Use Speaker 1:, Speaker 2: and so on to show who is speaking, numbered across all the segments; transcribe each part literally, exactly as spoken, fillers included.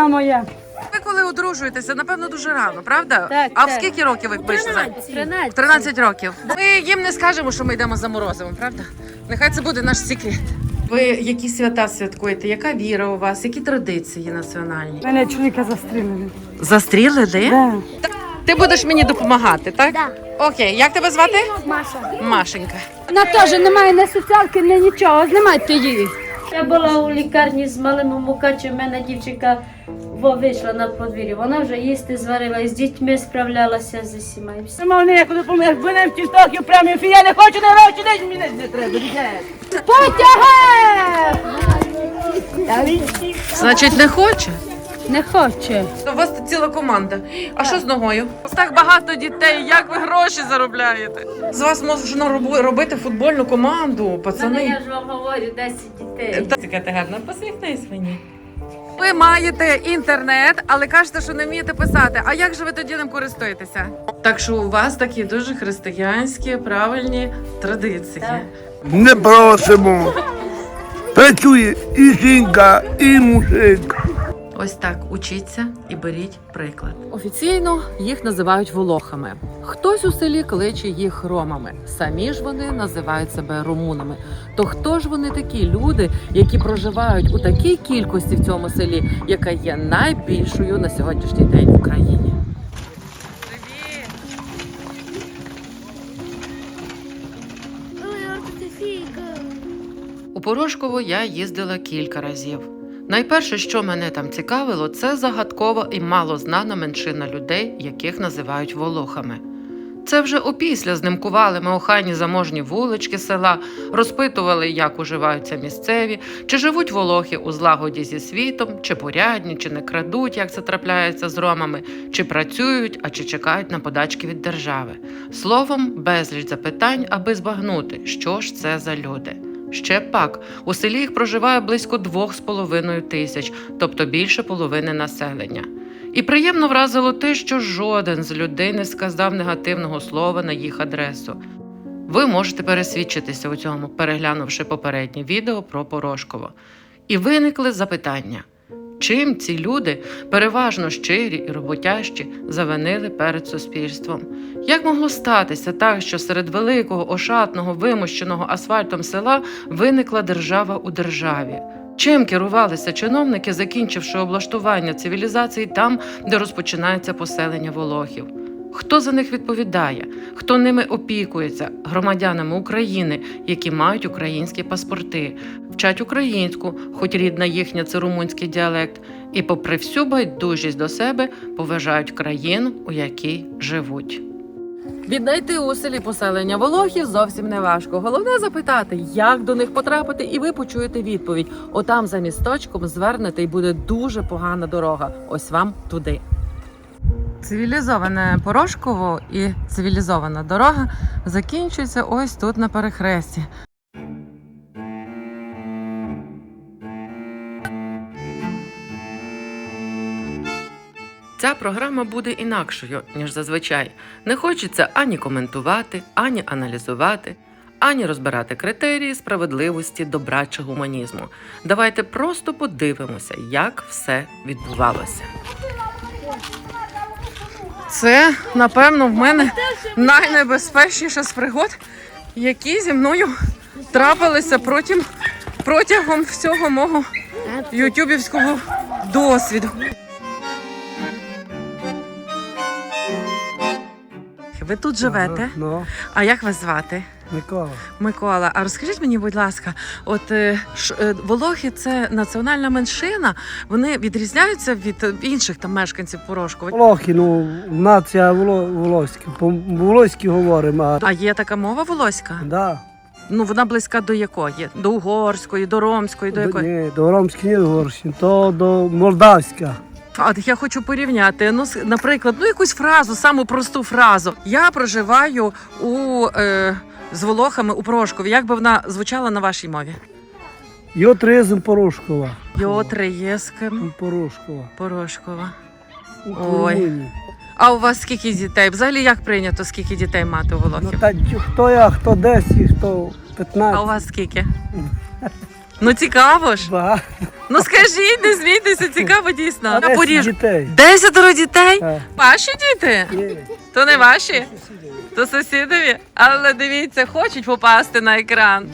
Speaker 1: Дитина моя.
Speaker 2: Ви коли одружуєтеся, напевно, дуже рано, правда?
Speaker 1: Так,
Speaker 2: а в
Speaker 1: так.
Speaker 2: скільки років ви пишете?
Speaker 1: тринадцять.
Speaker 2: тринадцять років. Ми їм не скажемо, що ми йдемо за морозивом, правда? Нехай це буде наш секрет. Ви які свята святкуєте? Яка віра у вас? Які традиції національні?
Speaker 1: Мене чоловіка застрілили.
Speaker 2: Застрілили?
Speaker 1: Да.
Speaker 2: Ти будеш мені допомагати, так?
Speaker 3: Да.
Speaker 2: Окей, як тебе звати?
Speaker 3: Маша.
Speaker 2: Машенька.
Speaker 1: Вона теж немає ні соціалки, ні нічого. Знімайте її.
Speaker 4: Я була у лікарні з малим Мукачем, в мене дівчинка во вийшла на подвір'я. Вона вже їсти зварила, і з дітьми справлялася з усіма. І все.
Speaker 1: Нема ніяку допомогу. Якби не в тістоків прямо ефір, я не хочу, не хочу, десь мені не треба. Потяги!
Speaker 2: Значить, не хоче?
Speaker 1: Не хоче.
Speaker 2: У вас тут ціла команда. А що з ногою? Так багато дітей, як ви гроші заробляєте? З вас можна робу- робити футбольну команду,
Speaker 4: Мене,
Speaker 2: пацани.
Speaker 4: я ж вам говорю, десять дітей.
Speaker 2: Така ти гарна, посміхнись мені. Ви маєте інтернет, але кажете, що не вмієте писати. А як же ви тоді ним користуєтеся? Так що у вас такі дуже християнські, правильні традиції.
Speaker 4: Так.
Speaker 5: Не просимо. Працює і жінка, і мужик.
Speaker 2: Ось так учіться і беріть приклад. Офіційно їх називають волохами. Хтось у селі кличе їх ромами. Самі ж вони називають себе румунами. То хто ж вони такі люди, які проживають у такій кількості в цьому селі, яка є найбільшою на сьогоднішній день в Україні? У Порошково я їздила кілька разів. Найперше, що мене там цікавило, це загадкова і малознана меншина людей, яких називають волохами. Це вже опісля знимкували ми охайні заможні вулички села, розпитували, як уживаються місцеві, чи живуть волохи у злагоді зі світом, чи порядні, чи не крадуть, як це трапляється з ромами, чи працюють, а чи чекають на подачки від держави. Словом, безліч запитань, аби збагнути, що ж це за люди. Ще пак, у селі їх проживає близько двох з половиною тисяч, тобто більше половини населення. І приємно вразило те, що жоден з людей не сказав негативного слова на їх адресу. Ви можете пересвідчитися у цьому, переглянувши попереднє відео про Порошково. І виникли запитання. Чим ці люди, переважно щирі і роботящі, завинили перед суспільством? Як могло статися так, що серед великого, ошатного, вимощеного асфальтом села виникла держава у державі? Чим керувалися чиновники, закінчивши облаштування цивілізації там, де розпочинається поселення волохів? Хто за них відповідає? Хто ними опікується? Громадянами України, які мають українські паспорти, вчать українську, хоч рідна їхня – це румунський діалект, і попри всю байдужість до себе поважають країну, у якій живуть. Віднайти у селі поселення волохів зовсім не важко. Головне запитати, як до них потрапити, і ви почуєте відповідь. Отам за місточком звернете, і буде дуже погана дорога. Ось вам туди. Цивілізоване Порошково і цивілізована дорога закінчується ось тут на перехресті. Ця програма буде інакшою, ніж зазвичай. Не хочеться ані коментувати, ані аналізувати, ані розбирати критерії справедливості, добра чи гуманізму. Давайте просто подивимося, як все відбувалося. Це, напевно, в мене найнебезпечніша з пригод, які зі мною трапилися протягом, протягом всього мого ютубівського досвіду. Ви тут живете?
Speaker 5: Ну,
Speaker 2: А як вас звати?
Speaker 5: Микола.
Speaker 2: Микола, а розкажіть мені, будь ласка, от е, ш, е, волохи – це національна меншина, вони відрізняються від е, інших там мешканців Порошкова?
Speaker 5: Волохи, ну, нація воло, волоська. По-волоськи говоримо, а...
Speaker 2: А є така мова волоська?
Speaker 5: Да.
Speaker 2: Ну, вона близька до якої? До угорської, до ромської, до якої?
Speaker 5: Ні, до ромської, не до угорської, то до молдавська.
Speaker 2: А я хочу порівняти, ну, с- наприклад, ну якусь фразу, саму просту фразу. Я проживаю у, е, з волохами у Порошкові. Як би вона звучала на вашій мові?
Speaker 5: Йотризм Порошкова.
Speaker 2: Йотри є з ким?
Speaker 5: Порошкова.
Speaker 2: Порошкова.
Speaker 5: У
Speaker 2: Ой.
Speaker 5: Румунії.
Speaker 2: А у вас скільки дітей? Взагалі як прийнято, скільки дітей мати у
Speaker 5: Ну,
Speaker 2: волохів?
Speaker 5: та хто я, хто десять, хто
Speaker 2: А у
Speaker 5: п'ятнадцять.
Speaker 2: вас скільки? Ну цікаво ж.
Speaker 5: Ба.
Speaker 2: Ну скажіть, не смійтеся, цікаво дійсно. На
Speaker 5: Десять
Speaker 2: Поріж.
Speaker 5: дітей.
Speaker 2: Десятеро дітей?
Speaker 5: Так.
Speaker 2: Ваші діти?
Speaker 5: Є.
Speaker 2: То не ваші? То сусідові? Але дивіться, хочуть попасти на екран.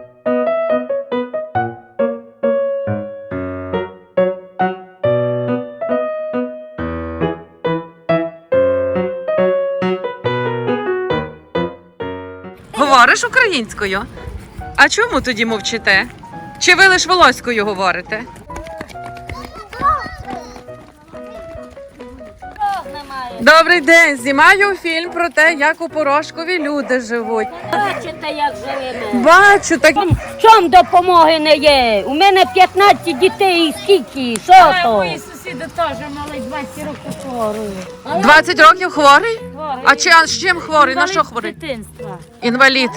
Speaker 2: Говориш українською? А чому тоді мовчите? Чи ви лиш волоською говорите? Добрий день! Знімаю фільм про те, як у Порошкові люди живуть.
Speaker 3: Бачите, як живемо.
Speaker 2: Бачу, так
Speaker 3: В чому допомоги не є? У мене п'ятнадцять дітей і скільки? Що то?
Speaker 4: Сусіди теж мали двадцять років хворої.
Speaker 2: двадцять років хворий? А чи а з чим хворий? На що хворий?
Speaker 4: Дитинства.
Speaker 2: Інвалід.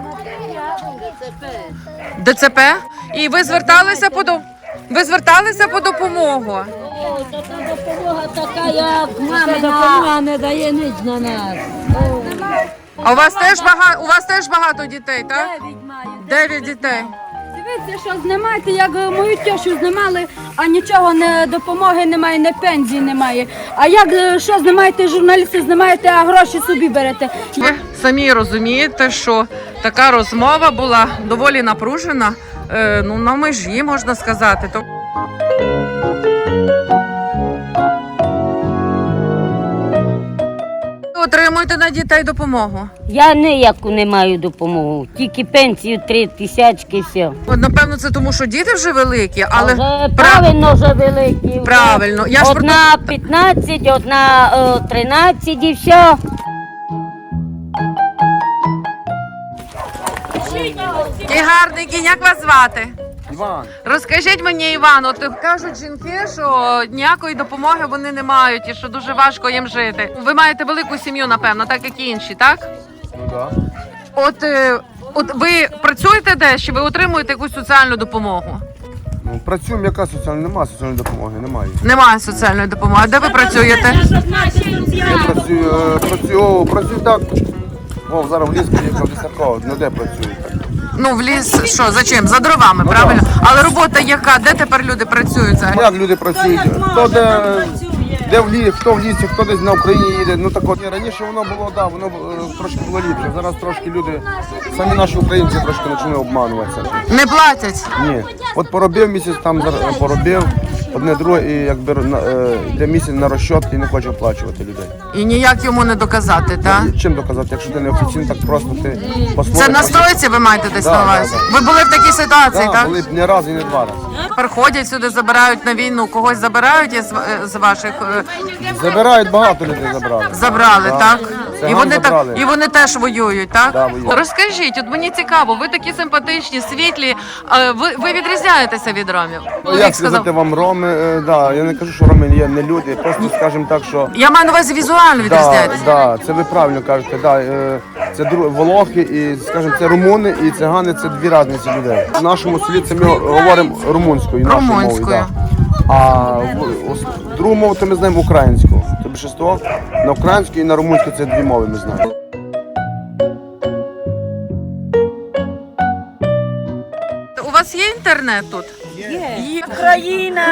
Speaker 2: ДЦП? І ви зверталися по до... Ви зверталися по допомогу?
Speaker 3: О, то та допомога така, як мамина.
Speaker 4: не дає ніч на нас.
Speaker 2: А у вас теж багато у вас теж багато дітей, так? Дев'ять дітей.
Speaker 6: Дивіться, що знімаєте, як мою тещу знімали, а нічого не допомоги немає, не пенсії немає. А як е, що знімаєте, журналісти знімаєте, а гроші собі берете.
Speaker 2: Ви самі розумієте, що така розмова була доволі напружена, е, ну на межі, можна сказати. То... Ви отримуєте на дітей допомогу.
Speaker 3: Я ніяку не маю допомогу, тільки пенсію три тисячки, все.
Speaker 2: От, напевно, це тому, що діти вже великі, але
Speaker 3: Вже
Speaker 2: пра-
Speaker 3: правильно вже великі. вже.
Speaker 2: Правильно. Я ж про
Speaker 3: Одна п'ятнадцять, одна е, тринадцять і все.
Speaker 2: І гарний кінь, як вас звати?
Speaker 7: Іван,
Speaker 2: Розкажіть мені, Іван, от кажуть жінки, що ніякої допомоги вони не мають і що дуже важко їм жити. Ви маєте велику сім'ю, напевно, так як і інші, так?
Speaker 7: ну да.
Speaker 2: От, е, от ви працюєте десь, чи ви отримуєте якусь соціальну допомогу?
Speaker 7: Ну, працюємо, яка соціальна, немає соціальної допомоги, немає.
Speaker 2: Немає соціальної допомоги. Де ви працюєте?
Speaker 7: Я працюю, е, працюю, о, працюю так. О, зараз в ліс поїхав лісако, ну де працюю так.
Speaker 2: Ну, в ліс, що, за чим? За дровами,
Speaker 7: Ну,
Speaker 2: правильно? Але робота яка? Де тепер люди працюють взагалі?
Speaker 7: Як люди працюють? Хто де, де в лісі, хто в лісі, хто десь на Україні їде. Ну так от, раніше воно було, да, воно е, трошки було ліпше. Зараз трошки люди, самі наші українці трошки почали обмануватися.
Speaker 2: Не платять?
Speaker 7: Ні. От поробив місяць, там зар- поробив, одне друге, і якби на- е, йде місяць на розчот і не хоче оплачувати людей.
Speaker 2: І ніяк йому не доказати, так?
Speaker 7: Чим доказати, якщо ти не офіційно, так просто ти
Speaker 2: Це
Speaker 7: по-своєму.
Speaker 2: на стройці ви маєте десь
Speaker 7: Да,
Speaker 2: на увазі?
Speaker 7: да,
Speaker 2: Ви були в такій ситуації,
Speaker 7: Да,
Speaker 2: так?
Speaker 7: були б не раз і не два рази.
Speaker 2: Приходять сюди, забирають на війну, когось забирають із, з ваших е,
Speaker 7: Забирають, багато людей забрали.
Speaker 2: забрали,
Speaker 7: Да.
Speaker 2: так?
Speaker 7: Циган
Speaker 2: І вони
Speaker 7: забрали.
Speaker 2: так і вони теж воюють, так?
Speaker 7: Да, воюють.
Speaker 2: Розкажіть, от мені цікаво, ви такі симпатичні, світлі. е, Ви, ви відрізняєтеся від ромів?
Speaker 7: Ну,
Speaker 2: Чоловік
Speaker 7: як сказати вам, роми, е, да, я не кажу, що роми є не люди, просто скажімо так, що
Speaker 2: Я маю на увазі візуально
Speaker 7: да,
Speaker 2: відрізняєтеся.
Speaker 7: да, це ви правильно кажете, да, е, це дру- волохи і, скажімо, це румуни і цигани, це дві різниці людей. В нашому селі це ми говоримо румунською, нашою мовою.
Speaker 2: Румунською.
Speaker 7: Да. А в- ос- другу мову то ми знаємо українську. Це більшість на українську і на румунську це дві мови ми знаємо.
Speaker 2: У вас є інтернет тут? Є.
Speaker 1: Україна!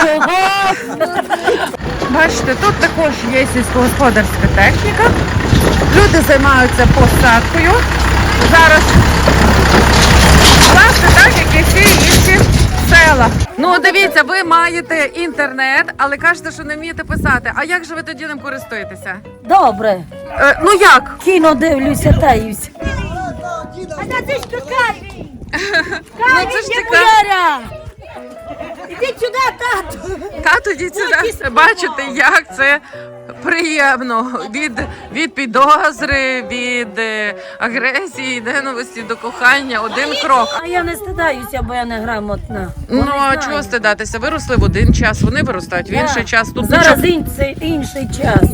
Speaker 2: Бачите, тут також є сільськогосподарська техніка. Люди займаються посадкою. Зараз, власне, так, як і всі інші села. Ну, дивіться, ви маєте інтернет, але кажете, що не вмієте писати. А як же ви тоді ним користуєтеся?
Speaker 6: Добре.
Speaker 2: Е, ну як?
Speaker 6: Кіно дивлюся, таюсь.
Speaker 2: Ну це ж цікаво.
Speaker 6: Іди сюди, тату.
Speaker 2: Тато, йдіть сюди. Бачите, як це приємно. Від, від підозри, від е, агресії, ненависті до кохання. Один крок.
Speaker 6: А я не стидаюся, бо я не грамотна.
Speaker 2: Ну, а чого стидатися? Виросли в один час, вони виростають в інший час. Тут
Speaker 6: Зараз
Speaker 2: нічого...
Speaker 6: інший, інший час.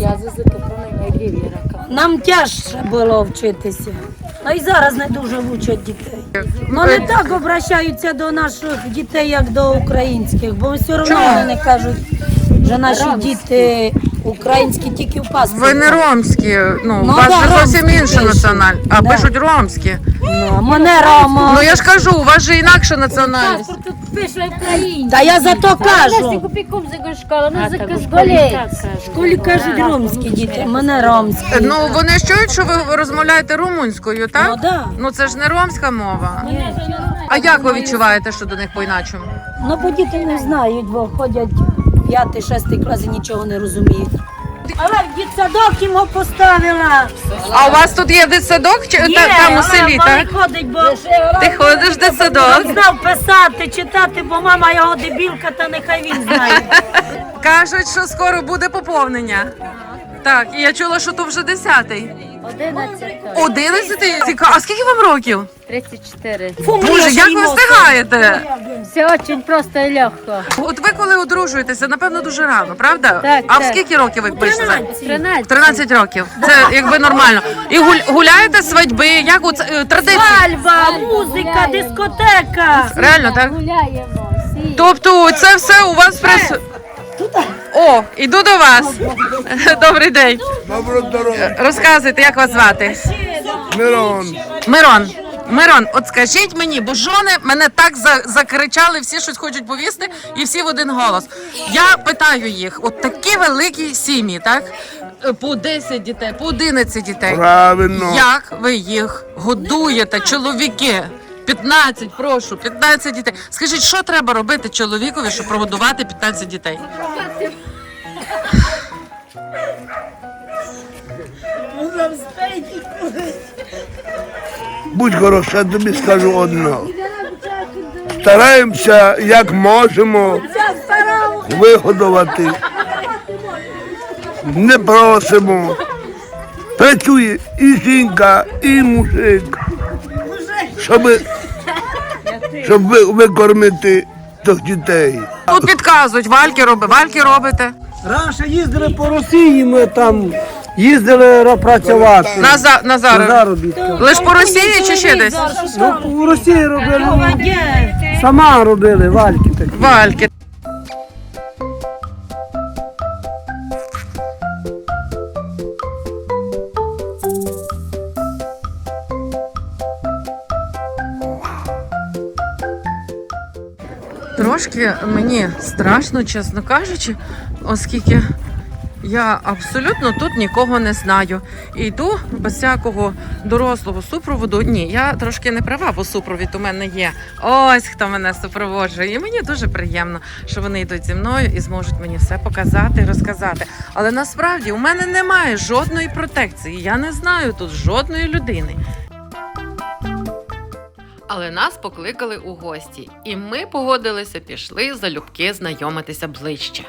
Speaker 6: Нам тяжче було вчитися. Ну і зараз не дуже вчать дітей. Ну не так обращаються до наших дітей, як до українських, бо все одно
Speaker 2: Чому?
Speaker 6: вони кажуть, що наші діти
Speaker 3: Українські тільки в паспорті.
Speaker 2: Ви не ромські, ну, у
Speaker 3: Ну,
Speaker 2: вас
Speaker 3: да,
Speaker 2: же зовсім
Speaker 3: ромські
Speaker 2: інша
Speaker 3: пишуть.
Speaker 2: національність. А
Speaker 3: Да.
Speaker 2: пишуть ромські.
Speaker 3: Ну, мене Рома.
Speaker 2: Ну я ж кажу, у вас же інакша національність.
Speaker 4: Тут пише українська.
Speaker 3: Та я за то кажу.
Speaker 4: Купіком за школа, ну за школі.
Speaker 3: В школі кажуть ромські діти, мене ромські.
Speaker 2: Ну вони ж чують, що ви розмовляєте румунською, так?
Speaker 3: Ну, да.
Speaker 2: Ну це ж не ромська мова. А як ви відчуваєте, що до них по-іначому?
Speaker 3: Ну, бо діти не знають, бо ходять п'ятий, шестий клас і нічого не розуміють. Але в дитсадок йому поставила.
Speaker 2: А у вас тут є дитсадок чи та- там у селі, так?
Speaker 3: ходить, бо
Speaker 2: Ти ходиш в дитсадок?
Speaker 3: знав писати, читати, бо мама його дебілка, та нехай він знає.
Speaker 2: Кажуть, що скоро буде поповнення. Так, і я чула, що то вже десятий.
Speaker 4: одинадцять.
Speaker 2: Одинадцятий? Цікаво. А скільки вам років?
Speaker 4: тридцять чотири.
Speaker 2: Боже, як ви встигаєте?
Speaker 4: Все дуже просто і легко.
Speaker 2: От ви коли одружуєтеся, напевно, дуже рано, правда?
Speaker 4: Так,
Speaker 2: а в
Speaker 4: так.
Speaker 2: скільки років ви пишете?
Speaker 4: тринадцять.
Speaker 2: тринадцять років. Це якби нормально. І гуль- гуляєте свадьби, як у ц- е, традиції?
Speaker 3: Альба, музика, дискотека.
Speaker 2: Реально, так?
Speaker 4: Гуляємо. всі.
Speaker 2: Тобто це все у вас прис... О, іду до вас. Добрий день.
Speaker 7: Добро здоров'я.
Speaker 2: Розказуйте, як вас звати?
Speaker 7: Мирон.
Speaker 2: Мирон. Мирон, от скажіть мені, бо жони мене так за- закричали, всі щось хочуть повісти, і всі в один голос. Я питаю їх, от такі великі сім'ї, так? Е, По десять дітей, по одинадцять дітей.
Speaker 7: Правильно.
Speaker 2: Як ви їх годуєте, чоловіки? п'ятнадцять, прошу, п'ятнадцять дітей. Скажіть, що треба робити чоловікові, щоб прогодувати п'ятнадцять дітей?
Speaker 8: Будь хороша, я тобі скажу одне. Стараємося, як можемо, вигодувати. Не просимо. Працює і жінка, і мужик, щоб, щоб ви- викормити тих дітей.
Speaker 2: Тут підказують, вальки роби, вальки робите.
Speaker 5: Раніше їздили по Росії, ми там їздили ра- працювати.
Speaker 2: На, за, на
Speaker 5: На
Speaker 2: зараз.
Speaker 5: заробітки.
Speaker 2: Лиш по Росії чи ще десь?
Speaker 5: Ну, у Росії робили, сама робили вальки такі.
Speaker 2: Вальки. Трошки мені страшно, чесно кажучи, оскільки я абсолютно тут нікого не знаю. І йду без всякого дорослого супроводу. Ні, я трошки не права, бо супровід у мене є. Ось хто мене супроводжує. І мені дуже приємно, що вони йдуть зі мною і зможуть мені все показати і розказати. Але насправді у мене немає жодної протекції. Я не знаю тут жодної людини. Але нас покликали у гості, і ми погодилися, пішли залюбки знайомитися ближче.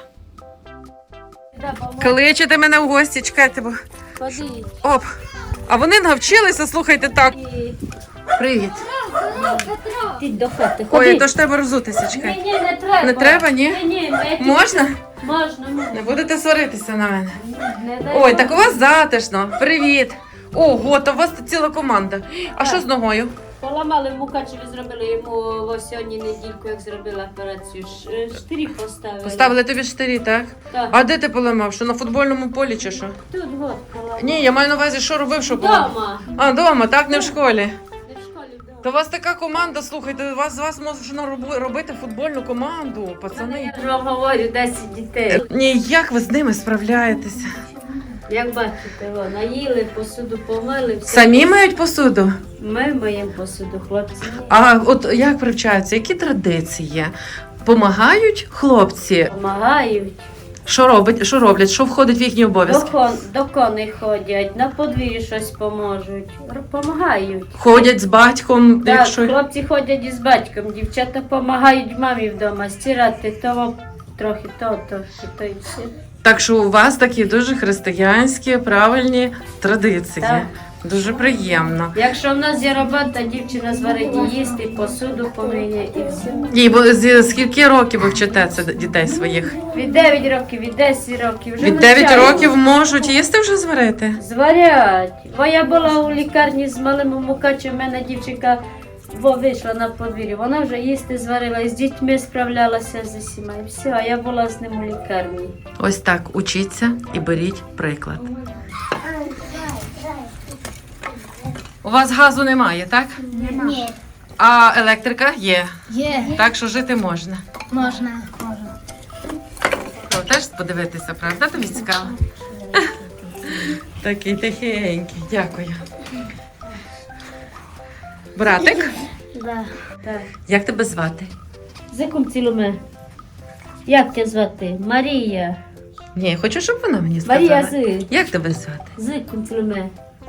Speaker 2: Кличете мене в гості, чекайте, бо...
Speaker 4: Ходіть.
Speaker 2: Оп! А вони навчилися, слухайте, так. Привіт.
Speaker 4: Йдіть до хати.
Speaker 2: Ой,
Speaker 4: Ходіть.
Speaker 2: то ж треба розутися,
Speaker 4: Ні,
Speaker 2: чекай.
Speaker 4: ні, не треба.
Speaker 2: Не треба, ні?
Speaker 4: Ні, ні, ми тут-
Speaker 2: Можна?
Speaker 4: Можна, можна.
Speaker 2: Не будете сваритися на мене.
Speaker 4: Не дай
Speaker 2: Ой,
Speaker 4: Бог.
Speaker 2: так у вас затишно. Привіт. Ого, то у вас ціла команда. А що з ногою?
Speaker 4: Поламали в Мукачеві, зробили йому ось сьогодні недільку, як зробили операцію. Ш- Штирі поставили.
Speaker 2: Поставили тобі штирі, так?
Speaker 4: Так.
Speaker 2: А де ти поламав? Що на футбольному полі чи що?
Speaker 4: Тут год поламали.
Speaker 2: Ні, я маю на увазі, що робив, що поламав.
Speaker 4: Дома.
Speaker 2: А, вдома, так, не в школі.
Speaker 4: Не в школі вдома.
Speaker 2: То у вас така команда, слухайте, у вас з вас можна роби- робити футбольну команду, пацани.
Speaker 4: Я вам говорю, десять дітей.
Speaker 2: Ні, як ви з ними справляєтеся?
Speaker 4: Як бачите, о, наїли, посуду помили. Все.
Speaker 2: Самі мають посуду?
Speaker 4: Ми моїм посуду, хлопці. ні.
Speaker 2: А от як привчаються, які традиції? Помагають хлопці?
Speaker 4: Помагають.
Speaker 2: Що робить, що роблять? Що входить в їхні
Speaker 4: До,
Speaker 2: обов'язки?
Speaker 4: кон, до коней ходять, на подвір'ї щось поможуть. Р- Помагають.
Speaker 2: Ходять з батьком,
Speaker 4: Так,
Speaker 2: якщо
Speaker 4: хлопці ходять із батьком, дівчата допомагають мамі вдома стирати того, трохи то, трохи то і все.
Speaker 2: так, що у вас такі дуже християнські, правильні традиції.
Speaker 4: Так.
Speaker 2: Дуже приємно.
Speaker 4: Якщо в нас є робота, дівчина зварить їсти, посуду помиє і все.
Speaker 2: І бо зі скільки років ви вчите це дітей своїх?
Speaker 4: Від дев'ять років, від десять років. Вже
Speaker 2: Від дев'яти
Speaker 4: навчаємо.
Speaker 2: років можуть їсти вже зварити?
Speaker 4: Зварять. Бо я була у лікарні з малим Мукачем, в мене дівчинка во вийшла на подвір'я, вона вже їсти зварила, і з дітьми справлялася з усіма. І все, а я була з ним у лікарні.
Speaker 2: Ось так, учіться і беріть приклад. У вас газу немає, так?
Speaker 9: Ні.
Speaker 2: А електрика є.
Speaker 9: Є.
Speaker 2: Так що жити можна.
Speaker 9: Можна. Можна.
Speaker 2: То теж подивитися, правда? Тобі цікаво? Такий тихенький, дякую. Братик,
Speaker 9: Да.
Speaker 4: Так.
Speaker 2: як тебе звати?
Speaker 4: Зиком цілуме. Як тебе звати? Марія.
Speaker 2: Ні, хочу, щоб вона мені сказала.
Speaker 4: Марія Зи.
Speaker 2: Як тебе звати?
Speaker 4: Зиком цілуме.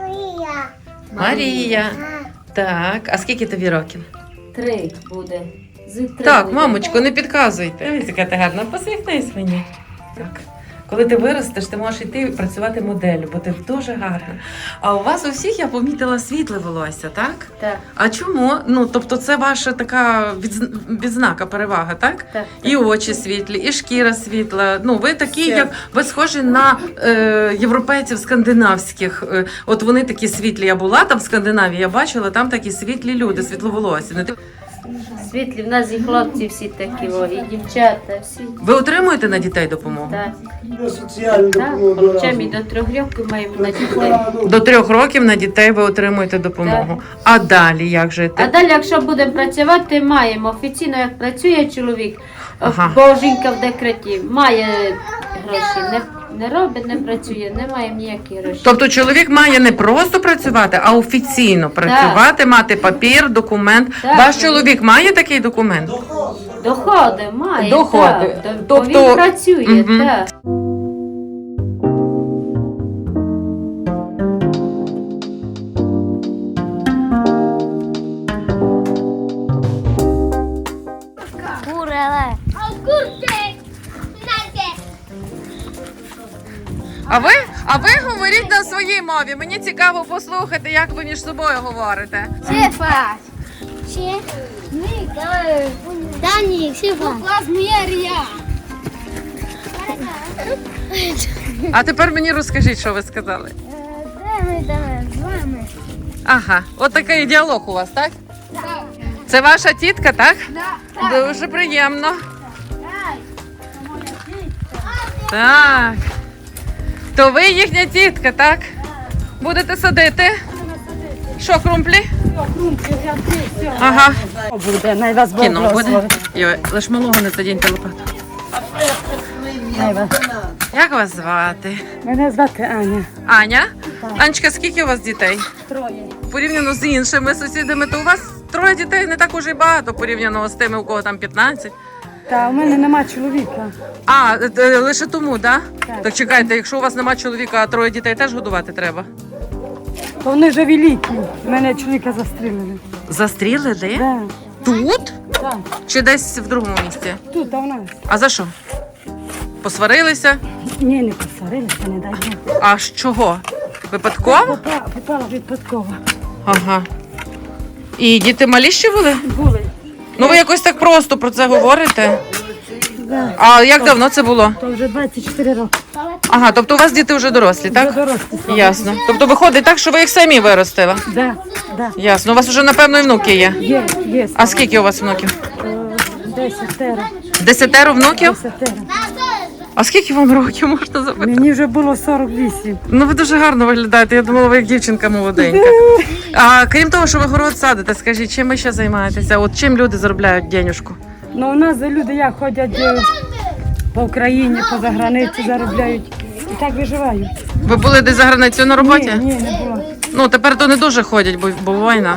Speaker 2: Марія. Так, а скільки тобі років?
Speaker 4: Три буде. Зи три
Speaker 2: Так,
Speaker 4: буде.
Speaker 2: мамочко, не підказуйте. Дивись, яка ти гарна, посміхнись мені. Так. Коли ти виростеш, ти можеш йти працювати моделлю, бо ти дуже гарна. А у вас у всіх я помітила світле волосся, так?
Speaker 4: Так,
Speaker 2: А чому? Ну, тобто це ваша така відз- відзнака, перевага, так?
Speaker 4: так.
Speaker 2: І очі світлі, і шкіра світла. Ну, ви такі,
Speaker 4: Все.
Speaker 2: як ви схожі на е, європейців скандинавських. Е, от вони такі світлі. Я була там в Скандинавії, я бачила, там такі світлі люди, світловолосі. Не ти-
Speaker 4: Світлі, в нас і хлопці всі такі, о, і дівчата, всі.
Speaker 2: Ви отримуєте на дітей допомогу?
Speaker 4: Так,
Speaker 5: Соціальну
Speaker 4: так.
Speaker 5: допомогу.
Speaker 4: Хочемо і до трьох років маємо на дітей.
Speaker 2: До трьох років на дітей ви отримуєте допомогу. А далі як жити?
Speaker 4: А далі, якщо будемо працювати, маємо. Офіційно, як працює чоловік,
Speaker 2: Ага.
Speaker 4: бо жінка в декреті, має гроші, не, не робить, не працює, не має ніякі гроші.
Speaker 2: Тобто чоловік має не просто працювати, а офіційно працювати, мати папір, документ.
Speaker 4: Так.
Speaker 2: Ваш чоловік має такий документ?
Speaker 4: Доходи має,
Speaker 2: Доходи.
Speaker 4: так. Бо
Speaker 2: Тобто-
Speaker 4: він працює,
Speaker 2: Мгм.
Speaker 4: так.
Speaker 9: Куреле.
Speaker 2: А ви, а ви говоріть на своїй мові. Мені цікаво послухати, як ви між собою говорите.
Speaker 9: Шефа. Ще? Дані, шефа. Класмєрія.
Speaker 2: А тепер мені розкажіть, що ви сказали.
Speaker 9: Де ми давай, з вами?
Speaker 2: Ага, от такий діалог у вас, так? Це ваша тітка, так? Дуже приємно. Так. То ви їхня тітка, так? Будете садити? Що, крумплі? Ага.
Speaker 3: Буде, най вас Бог
Speaker 2: Кіно буде.
Speaker 3: благословить.
Speaker 2: Йой, лиш малого не задіньте лопату.
Speaker 3: Най вас.
Speaker 2: Як вас звати?
Speaker 3: Мене звати Аня.
Speaker 2: Аня? Анечка, скільки у вас дітей?
Speaker 3: Троє.
Speaker 2: Порівняно з іншими сусідами, то у вас троє дітей не так уже й багато, порівняно з тими, у кого там п'ятнадцять.
Speaker 3: Та у мене нема чоловіка.
Speaker 2: А, е, е, лише тому, так?
Speaker 3: Так.
Speaker 2: Так чекайте, якщо у вас нема чоловіка, а троє дітей теж годувати треба.
Speaker 3: То вони вже великі. Мене чоловіка застрілили.
Speaker 2: Застрілили?
Speaker 3: Да.
Speaker 2: Тут?
Speaker 3: Так.
Speaker 2: Чи десь в другому місці?
Speaker 3: Тут, а в нас.
Speaker 2: А за що? Посварилися?
Speaker 3: Ні, не посварилися, не дай Бог.
Speaker 2: А з чого? Випадково?
Speaker 3: Попала, попала випадково.
Speaker 2: Ага. І діти малі ще були?
Speaker 3: Були.
Speaker 2: Ну ви якось так просто про це говорите.
Speaker 3: Да.
Speaker 2: А як давно це було?
Speaker 3: То вже двадцять чотири роки.
Speaker 2: Ага, тобто у вас діти вже дорослі,
Speaker 3: Вже
Speaker 2: так?
Speaker 3: дорослі.
Speaker 2: Ясно. Тобто виходить так, що ви їх самі виростили?
Speaker 3: Да, да.
Speaker 2: Ясно. У вас вже, напевно, і внуки є.
Speaker 3: Є, є.
Speaker 2: А скільки у вас внуків?
Speaker 3: Десятеро.
Speaker 2: Десятеро внуків?
Speaker 3: Десятеро.
Speaker 2: А скільки вам років можна запитати?
Speaker 3: Мені вже було сорок вісім.
Speaker 2: Ну ви дуже гарно виглядаєте. Я думала, ви як дівчинка молоденька. А крім того, що ви город садите, скажіть, чим ви ще займаєтеся? От чим люди заробляють денюжку?
Speaker 3: Ну, у нас люди як ходять е, по Україні, по заграниці заробляють. І так виживають.
Speaker 2: Ви були десь за границею на роботі?
Speaker 3: Ні, ні, не було.
Speaker 2: Ну тепер то не дуже ходять, бо, бо війна.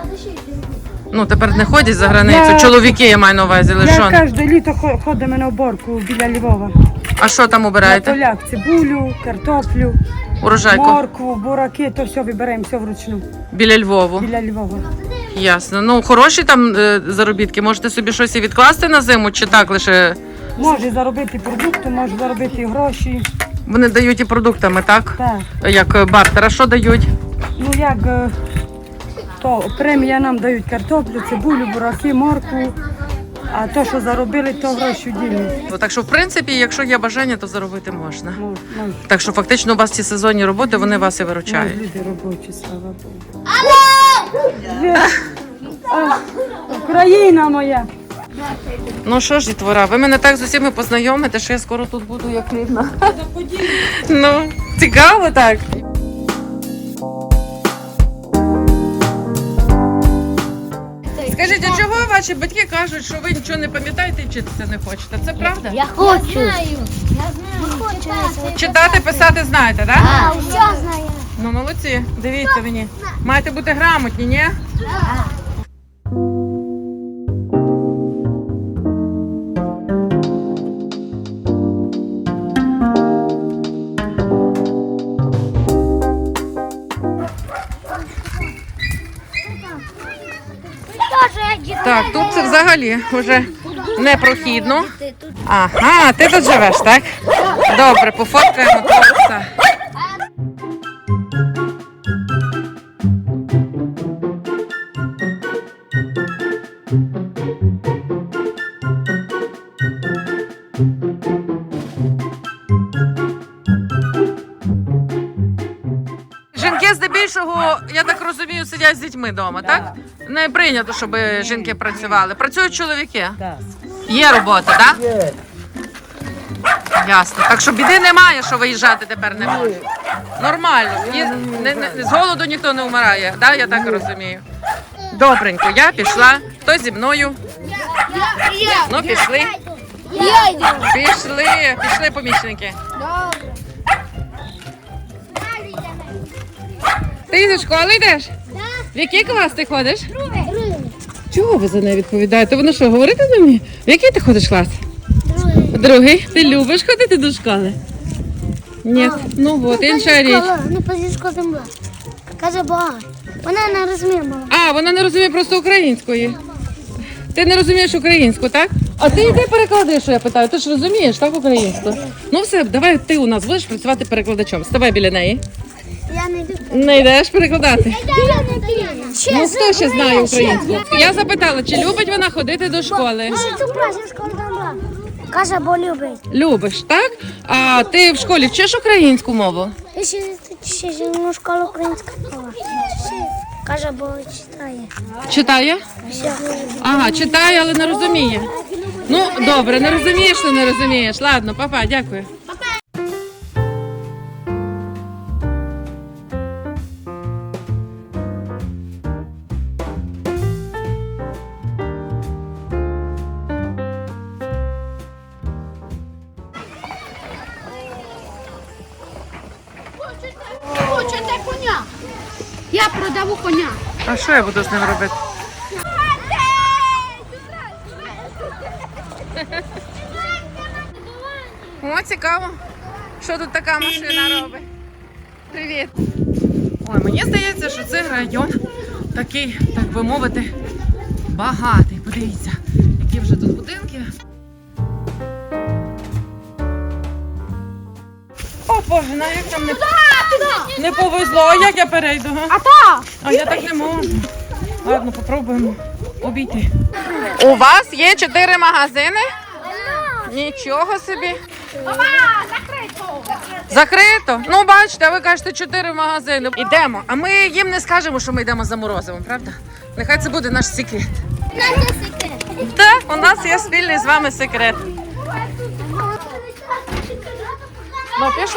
Speaker 2: Ну тепер не ходять за границю.
Speaker 3: Я-
Speaker 2: Чоловіки я маю на увазі,
Speaker 3: Я
Speaker 2: лише.
Speaker 3: кожне літо хо- ходимо на уборку біля Львова.
Speaker 2: А що там
Speaker 3: На
Speaker 2: обираєте?
Speaker 3: полях цибулю, картоплю,
Speaker 2: Урожайку?
Speaker 3: моркву, бураки, то все вибираємо, все вручну,
Speaker 2: Біля Львову.
Speaker 3: біля Львова.
Speaker 2: Ясно. Ну хороші там е, заробітки. Можете собі щось і відкласти на зиму, чи так лише
Speaker 3: Може заробити продукти, може заробити гроші.
Speaker 2: вони дають і продуктами, так?
Speaker 3: Так.
Speaker 2: Як е, бартер. А що дають?
Speaker 3: Ну як е, то премія нам дають картоплю, цибулю, бураки, моркву. А то, що заробили, то гроші ділять.
Speaker 2: Ну, так що, в принципі, якщо є бажання, то заробити можна.
Speaker 3: Мож- мож-
Speaker 2: Так що фактично у вас ці сезонні роботи, вони вас і
Speaker 3: мож
Speaker 2: виручають.
Speaker 3: люди робочі, слава Богу. А, Україна моя.
Speaker 2: Ну що ж, дітвора, ви мене так з усіма познайомите, що я скоро тут буду як рідна. Ну, цікаво так. Скажіть, а чого ваші батьки кажуть, що ви нічого не пам'ятаєте і вчитися не хочете? Це правда?
Speaker 9: Я хочу. Я знаю. Я хочу.
Speaker 2: Читати, писати знаєте, так?
Speaker 9: А, все знаю.
Speaker 2: Ну, молодці, дивіться мені. Маєте бути грамотні, ні? Так, тут це взагалі вже непрохідно. Ага, ти тут живеш, так? Добре, пофоткаємо хлопця. Жінки здебільшого, я так розумію, сидять з дітьми вдома, так? Не прийнято, щоб жінки працювали. Працюють чоловіки?
Speaker 1: Так.
Speaker 2: Є робота, так? Є. Ясно. Так що біди немає, що виїжджати тепер не можна. Нормально. Є- не- не- з голоду ніхто не вмирає, так? Я так розумію. Добренько, я пішла. Хто зі мною? Ну, пішли.
Speaker 9: Я йду.
Speaker 2: Пішли, пішли, помічники. Ти зі школи йдеш? В який клас ти ходиш?
Speaker 9: Другий.
Speaker 2: Чого ви за неї відповідаєте? Вона що, говорити не вміє? В який ти ходиш клас?
Speaker 9: Другий.
Speaker 2: Другий. Ти любиш ходити до школи? Ні. Ну от, інша річ.
Speaker 9: Не позичку земля. Каже Бога. Вона не розуміє мова.
Speaker 2: А, вона не розуміє просто української. Ти не розумієш українську, так? А ти йди переклади, що я питаю. Ти ж розумієш, так, українську? Ну все, давай ти у нас будеш працювати перекладачом. Ставай біля неї.
Speaker 9: Я не йду.
Speaker 2: Не йдеш перекладати?
Speaker 9: Я не йду.
Speaker 2: Ну хто ще знає українську? Я запитала, чи любить вона ходити до школи?
Speaker 9: Ще цю класу школу там. Каже, бо любить.
Speaker 2: Любиш, так? А ти в школі вчиш українську мову?
Speaker 9: І ще, ще зимну школу українська мова. Каже, бо читає.
Speaker 2: Читає?
Speaker 9: Все.
Speaker 2: Ага, читає, але не розуміє. Ну, добре, не розумієш, то не розумієш. Ладно, папа, дякую.
Speaker 6: Хочете коня? Я продаву коня.
Speaker 2: А що я буду з ним робити? О, цікаво. Що тут така машина робить? Привіт. Ой, мені здається, що це район такий, так би мовити, багатий. Подивіться, які вже тут будинки. О, Боже, на як там не, не повезло. А як я перейду? Га? А то? А я так не можу. Ладно, попробуємо обійти. У вас є чотири магазини? Нічого собі. Закрито? Ну, бачите, ви кажете чотири магазини. Ідемо. А ми їм не скажемо, що ми йдемо за морозивом, правда? Нехай це буде наш секрет. Так, у нас є спільний з вами секрет. Ну, пішли?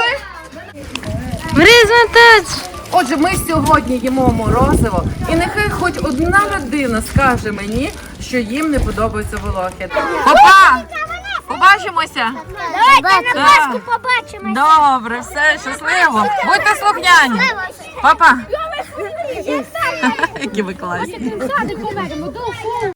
Speaker 2: Отже, ми сьогодні їмо морозиво, і нехай хоч одна людина скаже мені, що їм не подобаються волохи. Папа! Побачимося!
Speaker 9: Давайте на Пасху побачимо.
Speaker 2: Добре, все, щасливо. Будьте слухняні. Папа! Які ви класні.